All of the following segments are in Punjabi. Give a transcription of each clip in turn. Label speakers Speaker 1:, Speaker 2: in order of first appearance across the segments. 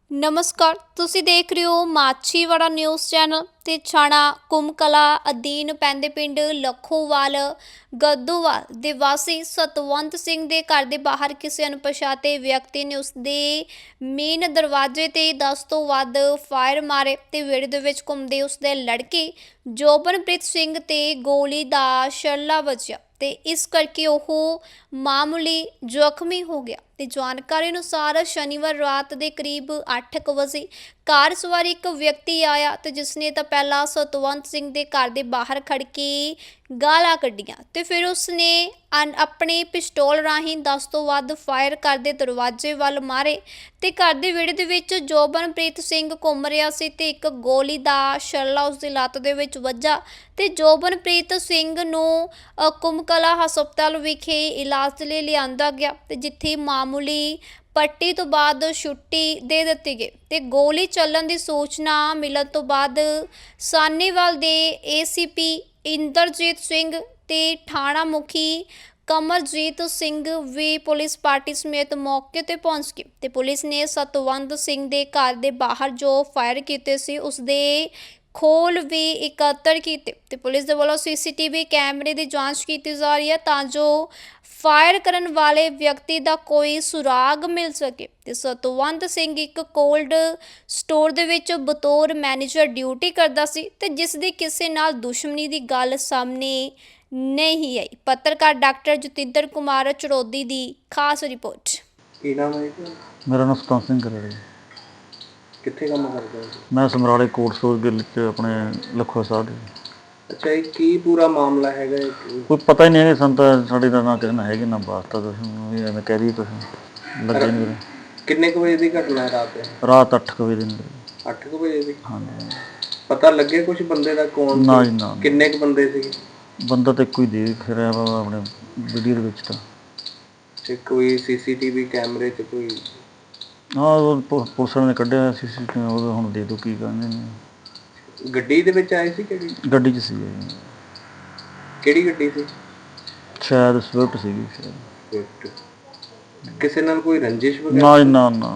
Speaker 1: ਨਮਸਕਾਰ, ਤੁਸੀਂ ਦੇਖ ਰਹੇ ਹੋ ਮਾਛੀਵਾੜਾ ਨਿਊਜ਼ ਚੈਨਲ ਤੇ ਛਾਣਾ ਕੁੰਮਕਲਾ ਅਧੀਨ ਪੈਂਦੇ ਪਿੰਡ ਲੱਖੋਵਾਲ ਗੱਦੋਵਾਲ ਦੇ ਵਾਸੀ ਸਤਵੰਤ ਸਿੰਘ ਦੇ ਘਰ ਦੇ ਬਾਹਰ ਕਿਸੇ ਅਣਪਛਾਤੇ ਵਿਅਕਤੀ ਨੇ ਉਸਦੇ ਮੇਨ ਦਰਵਾਜ਼ੇ ਤੇ 10 ਤੋਂ ਵੱਧ ਫਾਇਰ ਮਾਰੇ ਤੇ ਵਿਹੜੇ ਦੇ ਵਿੱਚ ਘੁੰਮਦੇ ਉਸਦੇ ਲੜਕੇ ਜੋਬਨਪ੍ਰੀਤ ਸਿੰਘ ਤੇ ਗੋਲੀ ਦਾ ਛੱਲਾ ਵੱਜਿਆ ਤੇ ਇਸ ਕਰਕੇ ਉਹ ਮਾਮੂਲੀ ਜ਼ਖਮੀ ਹੋ ਗਿਆ। ਤੇ ਜਾਣਕਾਰੀ ਅਨੁਸਾਰ ਸ਼ਨੀਵਾਰ ਰਾਤ ਦੇ ਕਰੀਬ 8 ਵਜੇ ਕਾਰ ਸਵਾਰ ਇੱਕ ਵਿਅਕਤੀ ਆਇਆ ਤੇ ਜਿਸਨੇ ਤਾਂ ਪਹਿਲਾਂ ਸਤਵੰਤ ਸਿੰਘ ਦੇ ਘਰ ਦੇ ਬਾਹਰ ਖੜ ਕੇ ਗਾਲਾਂ ਕੱਢੀਆਂ ਤੇ ਫਿਰ ਉਸਨੇ ਆਪਣੇ ਪਿਸਤੌਲ ਰਾਹੀਂ 10 ਤੋਂ ਵੱਧ ਫਾਇਰ ਕਰਦੇ ਦਰਵਾਜ਼ੇ ਵੱਲ ਮਾਰੇ ਤੇ ਘਰ ਦੇ ਵਿਹੜੇ ਦੇ ਵਿੱਚ ਜੋਬਨਪ੍ਰੀਤ ਸਿੰਘ ਘੁੰਮ ਰਿਹਾ ਸੀ ਤੇ ਇੱਕ ਗੋਲੀ ਦਾ ਛੱਲਾ ਉਸਦੀ ਲੱਤ ਦੇ ਵਿੱਚ ਵੱਜਾ ਤੇ ਜੋਬਨਪ੍ਰੀਤ ਸਿੰਘ ਨੂੰ ਕੁੰਮਕਲਾ ਹਸਪਤਾਲ ਵਿਖੇ ਇਲਾਜ ਲਈ ਲਿਆਂਦਾ ਗਿਆ ਤੇ ਜਿੱਥੇ ਮਾਮੂਲੀ ਪੱਟੀ ਤੋਂ ਬਾਅਦ ਛੁੱਟੀ ਦੇ ਦਿੱਤੀ ਗਈ ਤੇ ਗੋਲੀ ਚੱਲਣ ਦੀ ਸੂਚਨਾ ਮਿਲਣ ਤੋਂ ਬਾਅਦ ਸਾਹਨੇਵਾਲ ਦੇ ਏਸੀਪੀ ਇੰਦਰਜੀਤ ਸਿੰਘ ਤੇ ਥਾਣਾ ਮੁਖੀ ਕਮਰਜੀਤ ਸਿੰਘ ਵੀ ਪੁਲਿਸ ਪਾਰਟੀ ਸਮੇਤ ਮੌਕੇ ਤੇ ਪਹੁੰਚ ਗਏ ਤੇ ਪੁਲਿਸ ਨੇ ਸਤਵੰਤ ਸਿੰਘ ਦੇ ਘਰ ਦੇ ਬਾਹਰ ਜੋ ਫਾਇਰ ਕੀਤੇ ਸੀ ਉਸਦੇ ਖੋਲ ਵੀ ਇਕੱਤਰ ਕੀਤੇ ਤੇ ਪੁਲਿਸ ਦੇ ਵੱਲੋਂ ਸੀਸੀਟੀਵੀ ਕੈਮਰੇ ਦੀ ਜਾਂਚ ਕੀਤੀ ਜਾ ਰਹੀ ਹੈ ਤਾਂ ਜੋ ਫਾਇਰ ਕਰਨ ਵਾਲੇ ਵਿਅਕਤੀ ਦਾ ਕੋਈ ਸੁਰਾਗ ਮਿਲ ਸਕੇ ਤੇ ਸਤਵੰਤ ਸਿੰਘ ਇੱਕ ਕੋਲਡ ਸਟੋਰ ਦੇ ਵਿੱਚ ਬਤੌਰ ਮੈਨੇਜਰ ਡਿਊਟੀ ਕਰਦਾ ਸੀ ਤੇ ਜਿਸ ਦੀ ਕਿਸੇ ਨਾਲ ਦੁਸ਼ਮਣੀ ਦੀ ਗੱਲ ਸਾਹਮਣੇ ਨਹੀਂ ਆਈ। ਪੱਤਰਕਾਰ ਡਾਕਟਰ ਜਤਿੰਦਰ ਕੁਮਾਰ ਚੜੋਦੀ ਦੀ ਖਾਸ ਰਿਪੋਰਟ।
Speaker 2: ਕੀ ਨਾਮ ਹੈ ਜੀ?
Speaker 3: ਮੇਰਾ ਨਾਮ ਸਤਵੰਤ ਸਿੰਘ ਹੈ।
Speaker 2: ਕਿੱਥੇ ਕੰਮ ਕਰਦੇ ਹੋ?
Speaker 3: ਮੈਂ ਸਮਰਾਲੇ ਕੋਟ ਸਟੋਰ ਗਿੱਲ 'ਚ ਆਪਣੇ ਲੱਖੋ ਸਾਹਿਬ ਦੇ।
Speaker 2: ਅੱਛਾ, ਇਹ ਕੀ ਪੂਰਾ ਮਾਮਲਾ ਹੈਗਾ?
Speaker 3: ਕੋਈ ਪਤਾ ਹੀ ਨਹੀਂ ਹੈ ਸਾਨੂੰ ਤਾਂ, ਸਾਡੇ ਦਾ ਨਾ ਕਿਸੇ ਨਾਲ ਹੈਗੀ ਨਾ ਵਾਸਤਾ, ਤੁਸੀਂ ਵੀ ਐਵੇਂ ਕਹਿ ਰਹੀ ਤੁਸੀਂ ਲੱਗੇ ਨਹੀਂ ਵੀਰੇ।
Speaker 2: ਕਿੰਨੇ ਕੁ ਵਜੇ ਦੀ ਘਟਨਾ ਹੈ ਰਾਤ?
Speaker 3: ਰਾਤ 8 ਵਜੇ ਦੀ।
Speaker 2: 8 ਵਜੇ ਦੀ?
Speaker 3: ਹਾਂਜੀ।
Speaker 2: ਪਤਾ ਲੱਗੇ ਕੁਝ ਬੰਦੇ ਦਾ ਕੌਣ?
Speaker 3: ਨਾ ਜੀ ਨਾ।
Speaker 2: ਕਿੰਨੇ ਕੁ ਬੰਦੇ ਸੀ?
Speaker 3: ਬੰਦਾ ਤਾਂ ਇੱਕੋ ਹੀ ਦੇਖ ਰਿਹਾ ਵਾ ਆਪਣੇ ਵੀਡੀਓ ਦੇ ਵਿੱਚ ਤਾਂ।
Speaker 2: ਤੇ ਕੋਈ ਸੀਸੀਟੀਵੀ ਕੈਮਰੇ 'ਚ ਕੋਈ?
Speaker 3: ਹਾਂ, ਉਹ ਪੁਲਿਸ ਵਾਲਿਆਂ ਨੇ ਕੱਢਿਆ ਸੀਸੀਟੀਵੀ, ਉਹ ਹੁਣ ਦੇ ਦਿਓ ਕੀ ਕਹਿੰਦੇ ਨੇ।
Speaker 2: ਗੱਡੀ ਦੇ ਵਿੱਚ ਆਏ ਸੀ? ਕਿਹੜੀ
Speaker 3: ਗੱਡੀ 'ਚ ਸੀ?
Speaker 2: ਕਿਹੜੀ ਗੱਡੀ ਸੀ?
Speaker 3: ਸ਼ਾਇਦ ਸਵਿਫਟ ਸੀਗੀ ਸ਼ਾਇਦ।
Speaker 2: ਸਵਿਫਟ। ਕਿਸੇ ਨਾਲ ਕੋਈ ਰੰਜਿਸ਼ ਵਗੈਰਾ?
Speaker 3: ਨਾ ਜੀ ਨਾ ਨਾ।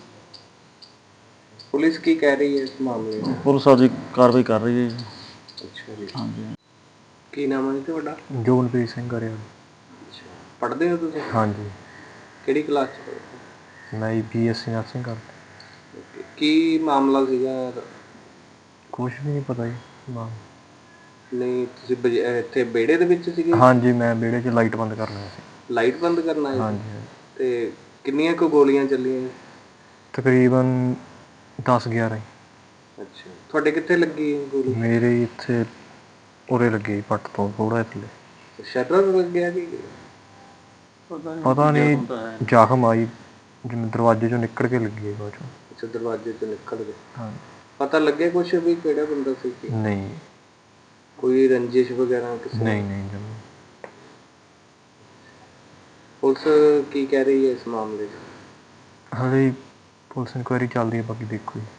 Speaker 2: ਪੁਲਿਸ ਕੀ ਕਹਿ ਰਹੀ ਹੈ ਇਸ ਮਾਮਲੇ 'ਚ?
Speaker 3: ਪੁਲਿਸ ਆਪਦੀ ਕਾਰਵਾਈ ਕਰ ਰਹੀ ਹੈ ਜੀ।
Speaker 2: ਅੱਛਾ ਜੀ।
Speaker 3: ਹਾਂਜੀ।
Speaker 2: ਕੀ ਨਾਮ ਹੈ ਤੁਹਾਡਾ?
Speaker 3: ਜੋਬਨਪ੍ਰੀਤ ਸਿੰਘ ਕਰਿਆ।
Speaker 2: ਅੱਛਾ, ਪੜ੍ਹਦੇ ਹੋ ਤੁਸੀਂ?
Speaker 3: ਹਾਂਜੀ।
Speaker 2: ਕਿਹੜੀ ਕਲਾਸ 'ਚ ਪੜ੍ਹਦੇ?
Speaker 3: ਮੈਂ BSc ਨਰਸਿੰਗ ਕਰਦਾ।
Speaker 2: ਕੀ ਮਾਮਲਾ ਸੀਗਾ?
Speaker 3: ਕੁਛ ਵੀ ਨਹੀਂ ਪਤਾ ਜੀ।
Speaker 2: ਨਹੀਂ, ਤੁਸੀਂ ਇੱਥੇ ਵਿਹੜੇ ਦੇ ਵਿੱਚ ਸੀਗੇ?
Speaker 3: ਹਾਂਜੀ, ਮੈਂ ਵਿਹੜੇ 'ਚ ਲਾਈਟ ਬੰਦ ਕਰਨਾ ਸੀ।
Speaker 2: ਲਾਈਟ ਬੰਦ ਕਰਨਾ ਹੈ?
Speaker 3: ਹਾਂਜੀ।
Speaker 2: ਤੇ ਕਿੰਨੀਆਂ ਕੁ ਗੋਲੀਆਂ ਚੱਲੀਆਂ?
Speaker 3: ਤਕਰੀਬਨ 10-11।
Speaker 2: ਅੱਛਾ, ਤੁਹਾਡੇ ਕਿੱਥੇ ਲੱਗੀ ਗੋਲੀ?
Speaker 3: ਮੇਰੇ ਇੱਥੇ ਉਰੇ ਲੱਗੀ, ਪੱਟ ਤੋਂ ਥੋੜਾ ਇੱਥੇ।
Speaker 2: ਸ਼ਟਰ ਲੱਗਿਆ ਕਿ?
Speaker 3: ਪਤਾ ਨਹੀਂ, ਜ਼ਖਮ ਆਈ ਜਿਵੇਂ ਦਰਵਾਜ਼ੇ 'ਚੋਂ ਨਿਕਲ ਕੇ ਲੱਗੀ ਹੈ ਬਾਅਦ 'ਚੋਂ।
Speaker 2: ਅੱਛਾ, ਦਰਵਾਜ਼ੇ ਤੋਂ ਨਿਕਲ ਗਏ।
Speaker 3: ਹਾਂ।
Speaker 2: ਪਤਾ ਲੱਗਿਆ ਕੁਛ ਵੀ ਕਿਹੜਾ ਬੰਦਾ ਸੀ?
Speaker 3: ਨਹੀਂ।
Speaker 2: ਕੋਈ ਰੰਜਿਸ਼ ਵਗੈਰਾ ਕਿਸੇ?
Speaker 3: ਨਹੀਂ ਨਹੀਂ ਜਮਾਂ।
Speaker 2: ਪੁਲਿਸ ਕੀ ਕਹਿ ਰਹੀ ਹੈ ਇਸ ਮਾਮਲੇ 'ਚ?
Speaker 3: ਹਾਲੇ ਪੁਲਿਸ ਇਨਕੁਆਇਰੀ ਚੱਲਦੀ ਹੈ, ਬਾਕੀ ਦੇਖੋ ਜੀ।